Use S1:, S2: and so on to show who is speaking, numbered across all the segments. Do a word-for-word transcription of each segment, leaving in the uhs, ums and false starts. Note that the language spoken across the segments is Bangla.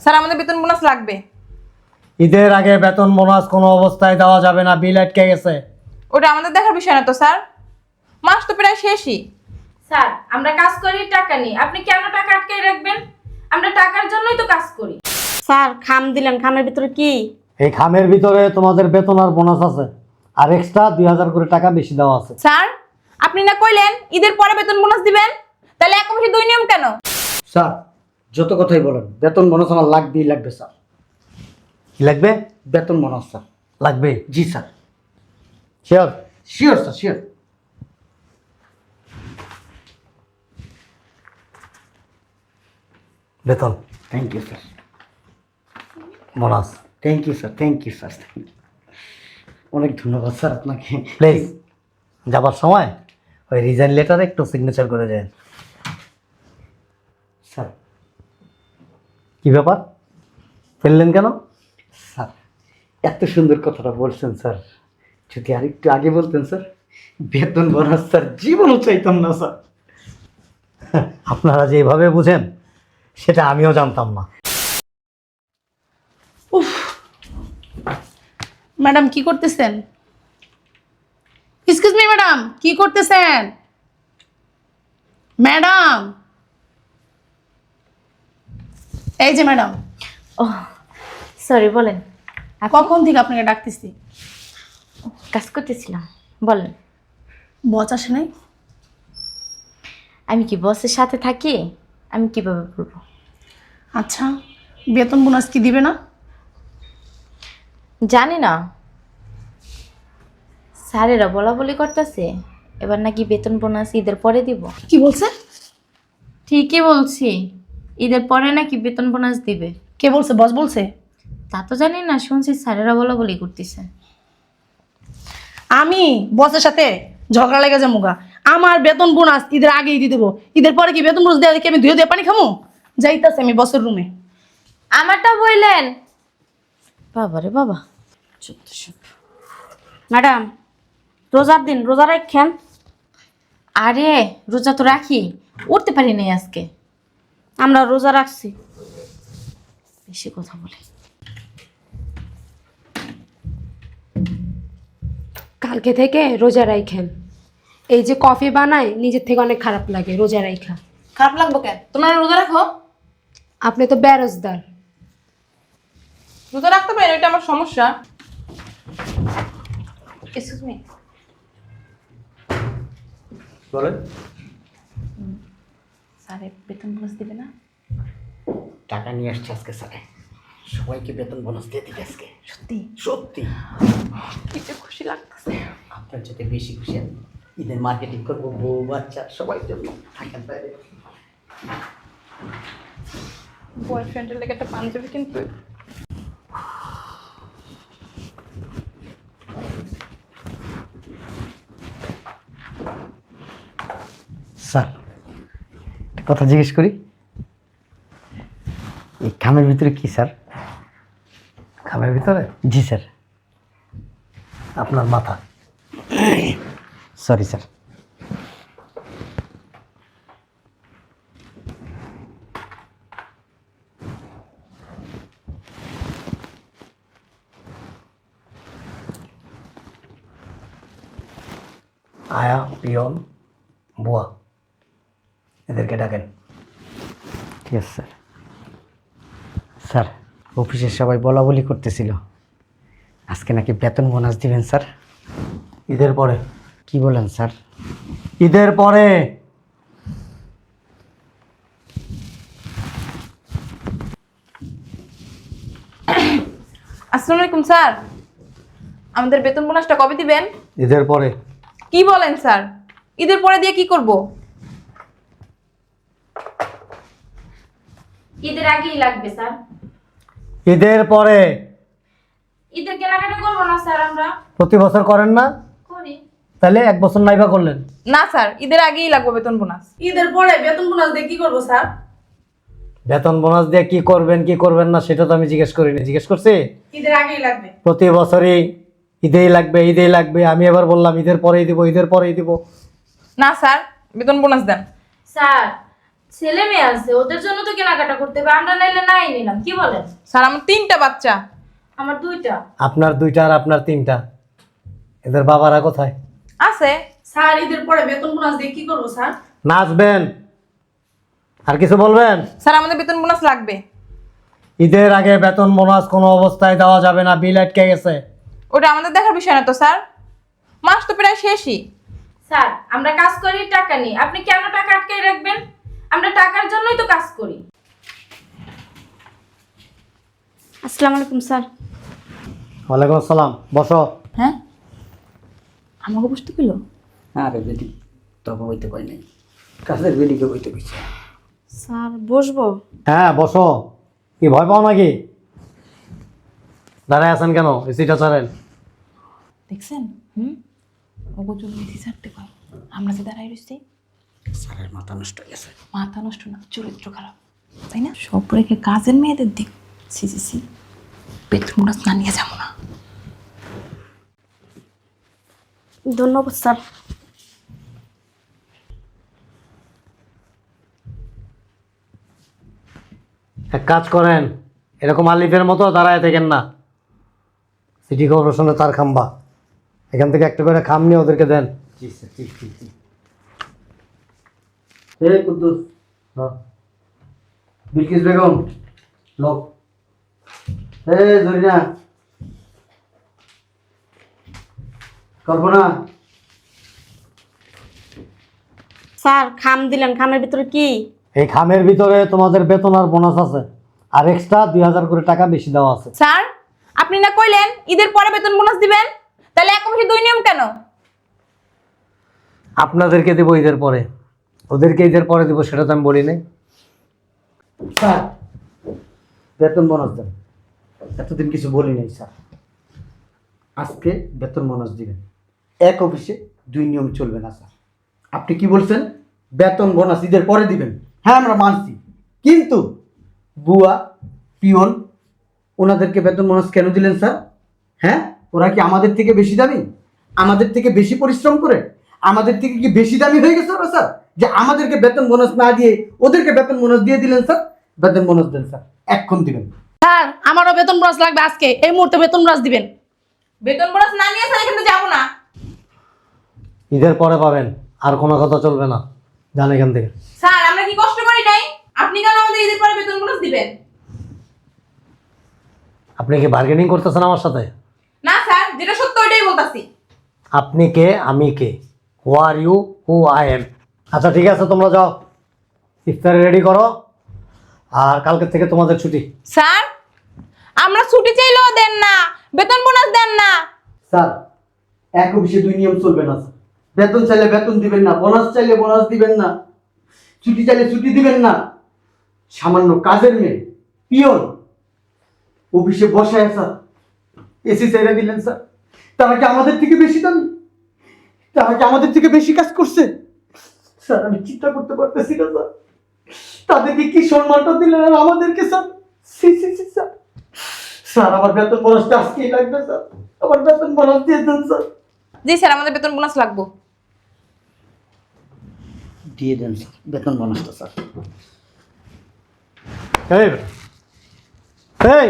S1: স্যার আমাদের বেতন বোনাস লাগবে।
S2: ঈদের আগে বেতন বোনাস কোনো অবস্থায় দেওয়া যাবে না, বিল আটকে গেছে।
S1: ওটা আমাদের দেখার বিষয় না তো স্যার, মাস তো প্রায় শেষই।
S3: স্যার আমরা কাজ করি টাকা নিই, আপনি কেন টাকা আটকে রাখবেন? আমরা টাকার জন্যই তো কাজ করি।
S4: স্যার খাম দিলেন, খামের ভিতরে কি?
S2: এই খামের ভিতরে তোমাদের বেতন আর বোনাস আছে, আর এক্সট্রা দুই হাজার করে টাকা বেশি দেওয়া আছে।
S1: স্যার আপনি না কইলেন ঈদের পরে বেতন বোনাস দিবেন, তাহলে এক মাসে দুই নিয়ম কেন?
S5: স্যার যত কথাই বলেন, বেতন বোনাস আমার লাগবেই লাগবে স্যার।
S2: কি লাগবে?
S5: বেতন বোনাস স্যার।
S2: লাগবে?
S5: জি sir,
S2: sure?
S5: Sure sir, sure.
S2: বেতন,
S5: thank you sir,
S2: bonus.
S5: Thank you sir, thank you sir, অনেক ধন্যবাদ স্যার আপনাকে।
S2: প্লিজ যাবার সময় ওই রিজাইন লেটারে একটু সিগনেচার করে দেন।
S5: স্যার,
S2: কি ব্যাপার, ফেললেন কেন?
S5: স্যার এত সুন্দর কথাটা বলছেন স্যার, যদি আরেকটু আগে বলতেন স্যার, বেতন বোনাস স্যার জীবনও চাইতাম না স্যার।
S2: আপনারা যেভাবে বুঝেন সেটা আমিও জানতাম না।
S6: ম্যাডাম কি করতেছেন? এক্সকিউজ মি ম্যাডাম, কি করতেছেন? ম্যাডাম, এই যে ম্যাডাম,
S3: ও সরি, বলেন।
S6: কখন থেকে আপনাকে ডাকতেছি।
S3: কাজ করতেছিলাম, বলেন।
S6: বস আসে নাই?
S3: আমি কি বসের সাথে থাকি? আমি কিভাবে বলবো?
S6: আচ্ছা, বেতন বোনাস কি দিবে না?
S3: জানি না, স্যারেরা বলা বলি করতেছে এবার নাকি বেতন বোনাস ঈদের পরে দিব।
S6: কি বলছে?
S3: ঠিকই বলছি, ঈদের পরে নাকি বেতন বোনাস দিবে।
S6: কে বলছে? বস বলছে?
S3: তা তো জানি না, শুনছি স্যারেরা বলা বলি করতেছে।
S6: আমি বসের সাথে ঝগড়া লেগে যাবো গা। আমার বেতন বোনাস ঈদের আগেই দিয়ে দেবো। ঈদের পরে কি বেতন বোনাস দেওয়া দেখি আমি ধুয়ে দিয়ে পানি খামো? যাইতাছে আমি বসের রুমে।
S3: আমারটা বললেন বাবারে বাবা।
S4: ম্যাডাম রোজার দিন রোজা রাখেন?
S3: আরে রোজা তো রাখি, উঠতে পারি নাই আজকে।
S4: আমরা রোজা রাখছি।
S3: বেশি কথা বলে।
S7: কালকে থেকে রোজা রাইখেন। এই যে কফি বানায় নিজের থেকে অনেক খারাপ লাগে রোজা রাইখা।
S1: খারাপ লাগবো কেন? তোমরা রোজা রাখো।
S7: আপনি তো বেরোজদার।
S1: রোজা রাখতে পারেন, এটা আমার সমস্যা। এক্সকিউজ মি,
S5: বলেন।
S1: স্যার বেতন বোনাস দিবে না?
S5: টাকা নিয়ে আসছে আজকে স্যার, সবাইকে বেতন বোনাস দিয়ে দিবে আজকে।
S1: সত্যি?
S5: সত্যি
S1: কি যে খুশি লাগতেছে।
S5: আপনার যাতে বেশি খুশি আমি ঈদের মার্কেটিং করবো, বউ বাচ্চা সবাই জন্য থাকেন বাইরে।
S1: বয়ফ্রেন্ডের লেগে একটা পাঞ্জাবি কিন্তু
S5: স্যার একটা কথা জিজ্ঞেস করি, এই খামের ভিতরে কি স্যার?
S2: খামের ভিতরে?
S5: জি স্যার।
S2: আপনার মাথা।
S5: Sorry sir.
S2: আয়া, পিয়ন, বুয়া, এদেরকে ডাকেন।
S5: ঠিক আছে স্যার। স্যার অফিসের সবাই বলা বলি করতেছিল আজকে নাকি বেতন বোনাস দিবেন স্যার।
S2: ঈদের পরে।
S5: কি বলেন স্যার?
S2: ঈদের পরে।
S1: আসসালামু আলাইকুম স্যার, আমাদের বেতন বোনাসটা কবে দিবেন?
S2: ঈদের পরে।
S1: কি বলেন স্যার, ঈদের পরে দিয়ে কি করব?
S3: ঈদের আগেই লাগবে স্যার।
S2: ঈদের পরে।
S3: ঈদের কেনাকাটা করবো না স্যার আমরা?
S2: প্রতি বছর করেন না?
S3: করি।
S2: তাহলে এক বছর নাইবা করলেন?
S1: না স্যার, ঈদের আগেই লাগবে বেতন বোনাস।
S6: ঈদের পরে বেতন বোনাস দিয়ে কি করবো স্যার?
S2: বেতন বোনাস দিয়ে কি করবেন কি করবেন না সেটা তো আমি জিজ্ঞেস করিনি, জিজ্ঞেস করছি
S6: ঈদের আগেই লাগবে।
S2: প্রতি বছরই ঈদেই লাগবে ঈদেই লাগবে। আমি এবার বললাম ঈদের পরেই দিব ঈদের পরেই দিব।
S1: না স্যার, বেতন বোনাস দেন।
S3: স্যার ছেলে মেয়ে আছে, ওদের জন্য তো কেনাকাটা করতে হবে, আমরা নাইলে নাই নিলাম, কি বলেন?
S1: স্যার আমার তিনটা বাচ্চা।
S3: আমার দুইটা।
S2: আপনার দুইটা আর আপনার তিনটা, এদের বাবারা কোথায়?
S1: আছে।
S6: স্যার ঈদের পরে বেতন বোনাস দিয়ে কি করবো স্যার?
S2: নাচবেন? আর কিছু বলবেন?
S1: স্যার আমাদের বেতন বোনাস লাগবে।
S2: ঈদের আগে বেতন বোনাস কোনো অবস্থায় দেওয়া যাবে না, বিল আটকে গেছে।
S1: ওটা আমাদের দেখার বিষয় না তো স্যার, মাস তো প্রায় শেষই।
S3: স্যার আমরা কাজ করি টাকা নিই, আপনি কেন টাকা আটকাই রাখবেন? আমরা টাকার জন্যই তো কাজ করি।
S4: আসসালামু আলাইকুম স্যার।
S2: ওয়ালাইকুম আসসালাম, বসো।
S1: হ্যাঁ আমাকে বুঝতে পেলো?
S5: আরে বেটি তবে হইতে পারি নাই, কাজের বেটিকে হইতে পেয়েছে।
S4: স্যার বসবো?
S2: হ্যাঁ বসো। কি ভয় পাও নাকি? দাঁড়ায় আছেন কেন? এসিটা ছাড়েন।
S1: দেখছেন? হুম ওগো জন্য এসি ছাড়তে কয়, আমরা যে দাঁড়াই রয়েছি।
S5: স্যারের মাথা নষ্ট হয়ে গেছে।
S1: মাথা নষ্ট না, চরিত্র খারাপ, তাই না? সব রেখে কাজের মেয়েদের দিক। সি সি সি, বেতন বোনাস না নিয়ে যাবো না।
S4: ধন্যবাদ স্যার।
S2: এক কাজ করেন, এরকম আলিফের মতো দাঁড়ায় থাকেন না। সিটি কর্পোরেশনে তার খাম্বা, এখান থেকে একটা করে খাম নিয়ে ওদেরকে দেন।
S5: জি স্যার, জি জি জি। এই কুদ্দুস, বিলকিস বেগম, লোক। এই জরিনা, কল্পনা।
S4: স্যার খাম দিলেন, খামের ভিতরে কি?
S2: এই খামের ভিতরে তোমাদের বেতন আর বোনাস আছে, আর এক্সট্রা দুই হাজার করে টাকা বেশি দেওয়া আছে।
S1: স্যার আপনি না কইলেন ঈদের পরে বেতন বোনাস দিবেন, তাহলে এক মাসে দুই নিয়ম কেন?
S2: আপনাদেরকে দেবো ঈদের পরে, ওদেরকে ঈদের পরে দেবো, সেটা তো আমি বলি নাই।
S5: স্যার বেতন বোনাস দেন, এতদিন কিছু বলি নাই স্যার। আজকে বেতন বোনাস দিবেন, এক অফিসে দুই নিয়ম চলবে না স্যার। আপনি কি বলছেন বেতন বোনাস ঈদের পরে দিবেন? হ্যাঁ আমরা মানছি, কিন্তু বুয়া পিয়ন ওনাদেরকে বেতন বোনাস কেন দিলেন স্যার? হ্যাঁ ওরা কি আমাদের থেকে বেশি দামি, আমাদের থেকে বেশি পরিশ্রম করে, আমাদের থেকে কি বেশি দামি হয়ে গেছে ওরা স্যার, যে আমাদেরকে বেতন বোনাস না দিয়ে ওদেরকে বেতন বোনাস দিয়ে দিলেন স্যার? বেতন বোনাস দেন স্যার, এক্ষণ দিবেন।
S6: স্যার আমারও বেতন বোনাস লাগবে, আজকে এই মুহূর্তে বেতন বোনাস দিবেন।
S1: বেতন বোনাস না নিয়ে স্যার এখান থেকে যাবো না।
S2: ঈদের পরে পাবেন, আর কোনো কথা চলবে না, যান এখান থেকে।
S1: স্যার আমরা কি কষ্ট করি নাই? আপনি কেন আমাদের ঈদের পরে বেতন বোনাস দিবেন?
S2: আপনি কি বার্গেনিং করতেছেন আমার সাথে?
S1: না স্যার, যেটা সত্য ওইটাই বলতাছি।
S2: আপনি কে, আমি কে? Who are you, who I am. আচ্ছা ঠিক আছে, তোমরা যাও, ইফতারি রেডি করো, আর কালকে থেকে তোমাদের ছুটি।
S1: স্যার আমরা ছুটি চাইলেও দেন না, বেতন বোনাস দেন না।
S5: স্যার এক অফিসে দুই নিয়ম চলবে না স্যার। বেতন চাইলে বেতন দিবেন না, বোনাস চাইলে বোনাস দিবেন না, ছুটি চাইলে ছুটি দিবেন না। সামান্য কাজের মেয়ে পিয়ন অফিসে বসায় স্যার এসি চাইলে দিলেন স্যার। তারা কি আমাদের থেকে বেশি দামি? তারা কি আমাদের থেকে বেশি কাজ করছে? স্যার আমি চিন্তা করতে পারতেছি না স্যার, তাদেরকে কি সম্মানটা দিলেন আর আমাদেরকে স্যার। সি সি সি স্যার, স্যার আমার বেতন বোনাসটা আজকেই লাগবে স্যার, আমার বেতন বোনাস দিয়ে দেন স্যার।
S1: জি স্যার, আমাদের বেতন বোনাস লাগবে।
S5: দিয়ে দেন স্যার বেতন বোনাসটা স্যার।
S2: এই এই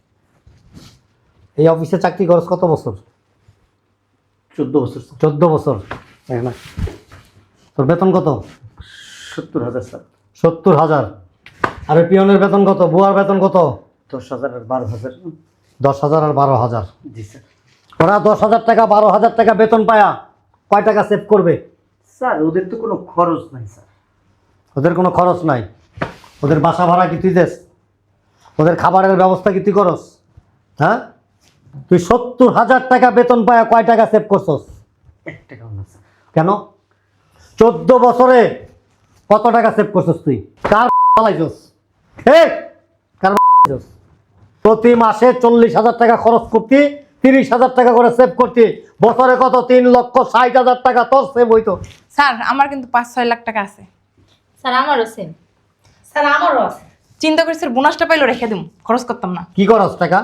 S2: এই অফিসে চাকরি খরচ কত বছর?
S5: চোদ্দ বছর স্যার।
S2: চোদ্দ বছর। তাই না? তোর বেতন কত?
S5: সত্তর হাজার স্যার।
S2: সত্তর হাজার। আর ওই পিয়নের বেতন কত? বুয়ার বেতন কত?
S5: দশ হাজার আর বারো হাজার।
S2: দশ হাজার আর বারো হাজার।
S5: জি স্যার।
S2: ওরা দশ হাজার টাকা বারো হাজার টাকা বেতন পায়া কয় টাকা সেভ করবে?
S5: স্যার ওদের তো কোনো খরচ নাই স্যার।
S2: ওদের কোনো খরচ নাই? ওদের বাসা ভাড়া কি তুই দেস? ওদের খাবারের ব্যবস্থা কি তুই করস? হ্যাঁ, তুই সত্তর হাজার টাকা বেতন পায়া কয় টাকা সেভ করছস?
S5: এক টাকাও না স্যার।
S2: কেন? চোদ্দ বছরে কত টাকা সেভ করছস তুই? কার পালাইছস? এই কার পালাইছস? প্রতি মাসে চল্লিশ হাজার টাকা খরচ করতি, তিরিশ হাজার টাকা করে সেভ করতি, বছরে কত? তিন লক্ষ ষাট হাজার টাকা তোর সেভ হইতো।
S1: স্যার আমার কিন্তু পাঁচ ছয় লাখ টাকা আছে।
S3: স্যার আমারও সেম।
S6: স্যার আমারও আছে।
S1: চিন্তা করি স্যার, বোনাসটা পাইলো রেখে দিম, খরচ করতাম না।
S2: কি করস টাকা?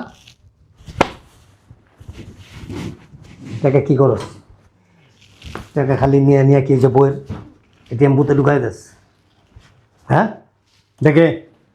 S2: টাকা কি করস? টাকা খালি নিয়ে নিয়ে কি যে বইয়ের এটিএম বুথে ঢুকাই দেস? হ্যাঁ দেখে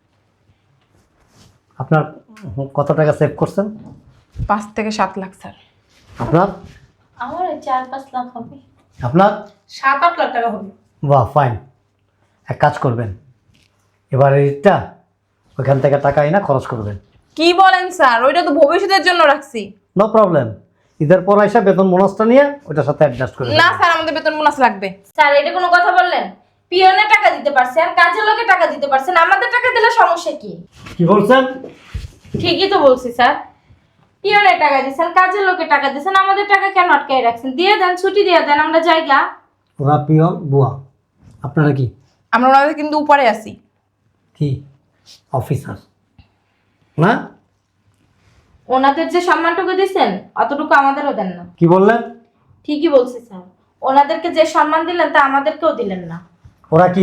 S2: আপনার কত টাকা সেভ করছেন?
S1: পাঁচ থেকে সাত লাখ স্যার।
S2: আপনার
S3: আমার ওই চার পাঁচ লাখ হবে।
S2: আপনার
S6: সাত আট লাখ টাকা হবে।
S2: বাহ ফাইন। এক কাজ করবেন, এবার এইটা ওইখান থেকে টাকা না খরচ করবেন।
S1: কি বলেন স্যার? ওইটা তো ভবিষ্যতের জন্য রাখছি।
S2: নো প্রবলেম, ঈদের পর এসে বেতন বোনাসটা নিয়ে ওইটার সাথে অ্যাডজাস্ট করে
S1: না
S2: দেবেন।
S1: স্যার, আমাদের বেতন বোনাস লাগবে।
S3: স্যার এটা কোনো কথা বললেন? পিয়নে টাকা দিতে পারছেন, কাজের লোকে টাকা দিতে পারছেন, আমাদের টাকা দিলে সমস্যা কি?
S2: কি বলছেন?
S3: ঠিকই তো বলছি স্যার। পিয়নে টাকা দিচ্ছেন, কাজের লোকে টাকা দিচ্ছেন, আমাদের টাকা কেন আটকাই রাখছেন? দিয়ে দেন, ছুটি দিয়ে দেন, আমরা জায়গা।
S2: ওরা পিয়ন বুয়া, আপনারা কি
S1: আমরা ওনাদের কিন্তু উপরে আছি।
S2: কি অফিসার না?
S3: ওনাদের যে সম্মানটুকু দিচ্ছেন অতটুকু আমাদেরও দেন না।
S2: কি বললেন?
S3: ঠিকই বলছি স্যার, ওনাদেরকে যে সম্মান দিলেন তা আমাদেরকেও দিলেন না।
S2: ওরা কি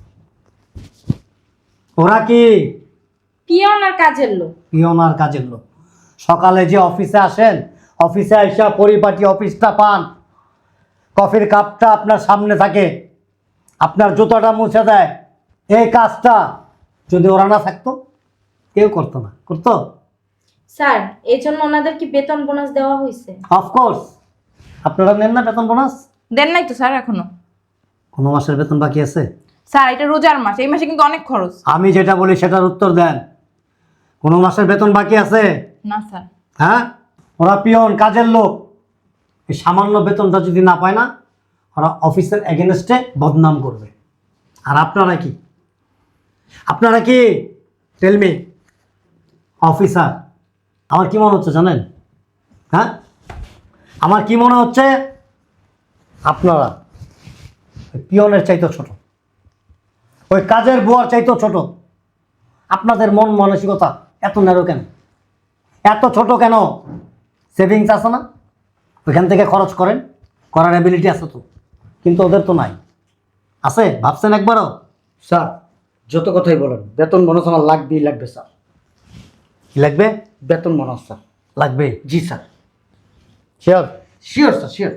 S2: ওরা কি
S3: পিয়ন আর কাজের লোক।
S2: পিয়ন আর কাজের লোক। সকালে যে অফিসে আসেন, অফিসে আইসা পরিপাটি অফিসটা পান, কফির কাপটা আপনার সামনে থাকে, আপনার জুতোটা মুছে দেয়, এই কাজটা যদি ওরা না থাকতো কেউ করতো না। করতো?
S3: স্যার এই জন্য ওনাদের কি বেতন বোনাস দেওয়া হয়েছে?
S2: অফকোর্স। আপনারা নেন না বেতন বোনাস?
S1: দেন নাই তো স্যার এখনো।
S2: কোনো মাসের বেতন বাকি আছে?
S1: স্যার এটা রোজার মাস, এই মাসে কিন্তু অনেক খরচ।
S2: আমি যেটা বলি সেটার উত্তর দেন। কোনো মাসের বেতন বাকি আছে?
S1: না স্যার।
S2: হ্যাঁ, ওরা পিয়ন কাজের লোক, এই সামান্য বেতনটা যদি না পায় না, ওরা অফিসের এগেনস্টে বদনাম করবে। আর আপনারা কি আপনারা কি টেলমি অফিসার? আমার কি মনে হচ্ছে জানেন? হ্যাঁ, আমার কি মনে হচ্ছে আপনারা ওই পিয়নের চাইতেও ছোট, ওই কাজের বুয়ার চাইতেও ছোট। আপনাদের মন মানসিকতা এত ন্যারো কেন, এত ছোট কেন? সেভিংস আছে না, ওইখান থেকে খরচ করেন, করার অ্যাবিলিটি আছে তো, কিন্তু ওদের তো নাই। আছে? ভাবছেন একবারও?
S5: স্যার যত কথাই বলেন, বেতন বোনাস আমার লাগবেই লাগবে স্যার।
S2: কি লাগবে?
S5: বেতন বোনাস স্যার।
S2: লাগবে?
S5: জি sir,
S2: sure?
S5: Sure sir, sure.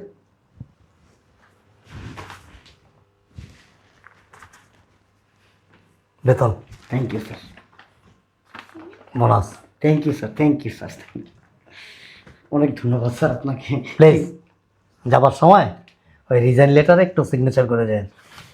S2: বেতন
S5: thank you sir,
S2: bonus
S5: thank you sir, thank you sir, অনেক ধন্যবাদ স্যার আপনাকে।
S2: প্লিজ যাবার সময় ওই রিজাইন লেটারে একটু সিগনেচার করে যান।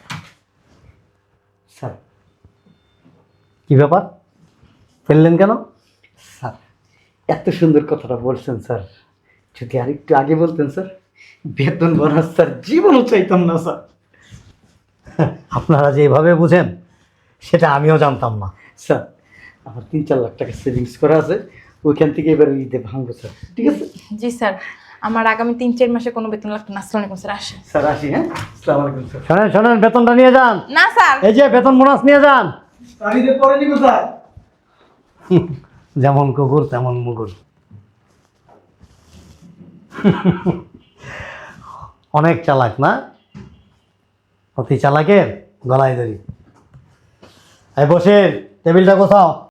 S5: স্যার
S2: কি ব্যাপার, ফেললেন কেন?
S5: স্যার এত সুন্দর কথাটা বলছেন স্যার, যদি আরেকটু আগে বলতেন স্যার, বেতন বোনাস স্যার জীবনও চাইতাম না স্যার।
S2: আপনারা যেভাবে বুঝেন সেটা আমিও জানতাম না।
S5: স্যার আমার তিন চার লাখ টাকা সেভিংস করা আছে, ওইখান থেকে এবার ঈদে ভাঙবো স্যার, ঠিক আছে?
S1: জি স্যার, আমার আগামী তিন চার মাসে কোনো বেতন লাগবে না। আসসালামু আলাইকুম স্যার, আসেন।
S5: স্যার আসি, হ্যাঁ আসসালামু আলাইকুম স্যার।
S2: শোনেন শোনেন, বেতনটা নিয়ে যান।
S1: না স্যার।
S2: এই যে বেতন বোনাস নিয়ে যান।
S5: আমি ঈদের পরে নিব স্যার।
S2: যেমন কুকুর তেমন মুগুর। অনেক চালাক না? অতি চালাকের গলায় ধরি। এই বসে টেবিলটা কোথাও